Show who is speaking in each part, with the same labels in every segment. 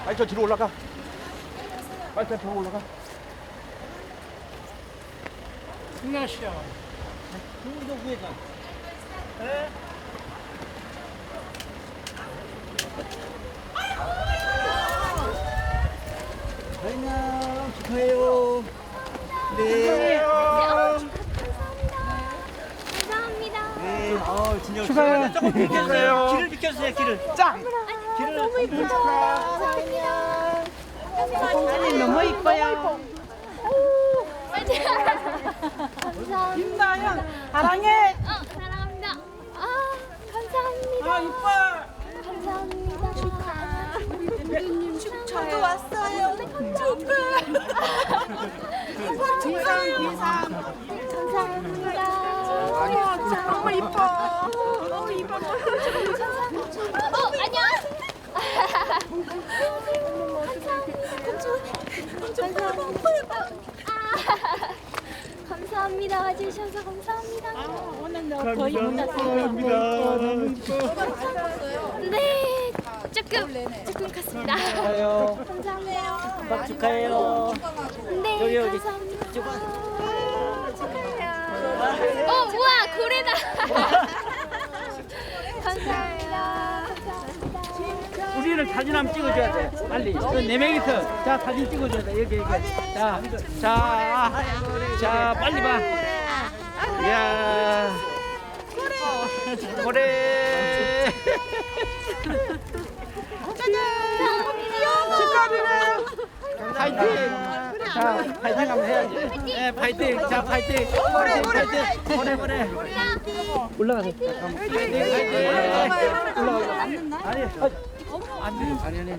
Speaker 1: 아니 저 뒤로 올라가. 빨리 저 뒤로 올라가.
Speaker 2: 승나씨야.
Speaker 3: 홍문정 부회장.
Speaker 2: 네?
Speaker 3: 회장 축하해요. 네.
Speaker 4: 감사합니다.
Speaker 3: 네. 진영
Speaker 1: 축하해요.
Speaker 3: 조금 비켜주세요.
Speaker 1: 축하해요.
Speaker 3: 길을 비켜주세요. 길을.
Speaker 1: 짱.
Speaker 3: 길을.
Speaker 4: 너무 이쁘다. 감사합니다.
Speaker 5: 아니 너무 이뻐요.
Speaker 4: 감사합니다.
Speaker 5: 김나연 사랑해.
Speaker 4: 사랑합니다. 감사합니다.
Speaker 5: 아 이뻐.
Speaker 4: 감사합니다.
Speaker 5: 저도 왔어요. 비상.
Speaker 4: 감사합니다.
Speaker 5: 너무 이뻐. 너무 이뻐.
Speaker 4: 안녕. 감사합니다. 와주셔서 감사합니다.
Speaker 5: 오늘 너 거의 못 왔어요.
Speaker 4: 네, 조금 컸습니다. 감사합니다.
Speaker 3: 박 축하해요.
Speaker 4: 네,
Speaker 3: 여기.
Speaker 4: 감사합니다. 축하해요. 우와, 고래다. 감사합니다. 감사합니다.
Speaker 2: 우리는 사진 한번 찍어줘야 돼. 빨리. 네 명이서. 자, 사진 찍어줘야 돼. 여기. 자, 빨리 봐. 이야. 고래.
Speaker 5: 축하드려요.
Speaker 2: 파이팅. 자, 파이팅 한번 해야지. 네, 파이팅. 자, 파이팅. 파이팅. 고래. 올라가세요. 파이팅. 올라가. 아니.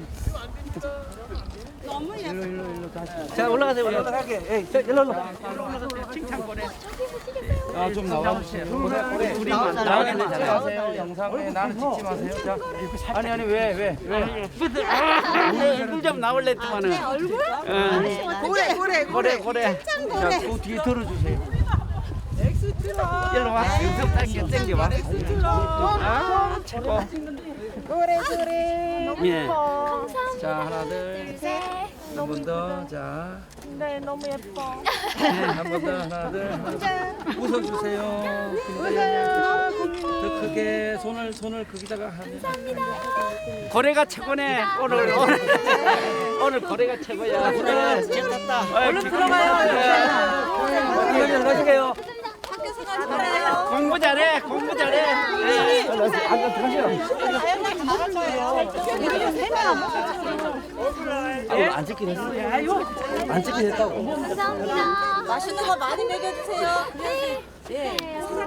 Speaker 5: 너무 예뻐.
Speaker 2: 일로 다시.
Speaker 3: 자 올라가세요.
Speaker 1: 올라가게. 에이,
Speaker 2: 일로. 칭찬 고래.
Speaker 1: 좀 나와주세요.
Speaker 2: 우리
Speaker 3: 나가게 되잖아요.
Speaker 1: 찍으세요. 영상에 나는 찍지 마세요. 자, 아니 왜?
Speaker 2: 얼굴 좀 나올래 했더만은. 고래.
Speaker 1: 자, 그 뒤에 들어주세요.
Speaker 2: 일로 와. 영상 당겨봐. 아, 최고.
Speaker 5: 그래.
Speaker 2: 예.
Speaker 4: 감사합니다.
Speaker 2: 자, 하나, 둘,
Speaker 4: 셋.
Speaker 2: 한 번 더. 자,
Speaker 5: 네 너무 예뻐.
Speaker 2: 네, 한 번 더. 하나, 둘. 웃어주세요. 더 크게 손을 거기다가 하면. 고래가 최고네. 오늘 고래가 최고야. 얼른
Speaker 3: 들어가요. 들어가세요.
Speaker 2: 공부 잘해. 네.
Speaker 3: 안 찍긴 했어요. 안 찍긴 했다고.
Speaker 4: 감사합니다.
Speaker 5: 맛있는 거 많이 먹여주세요.
Speaker 4: 네.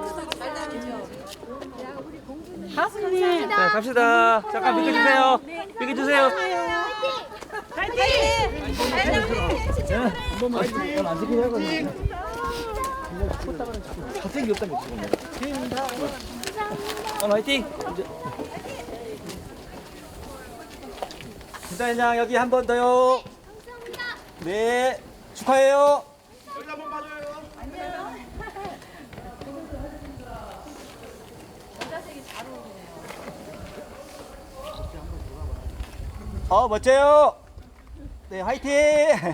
Speaker 5: 가수님.
Speaker 3: 네, 갑시다. 잠깐 비켜주세요. 비켜주세요. 안 찍긴 하거든요. 갑자기 없다는 거 지금. 화이팅. 김사회장 여기 한 번 더요. 네, 축하해요.
Speaker 1: 여기 한번 봐줘요.
Speaker 3: 멋져요. 네, 화이팅.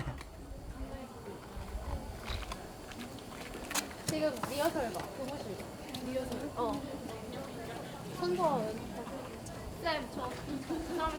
Speaker 4: 지금 리허설 봐. 교무실. 리허설. 선서. 쌤, 저.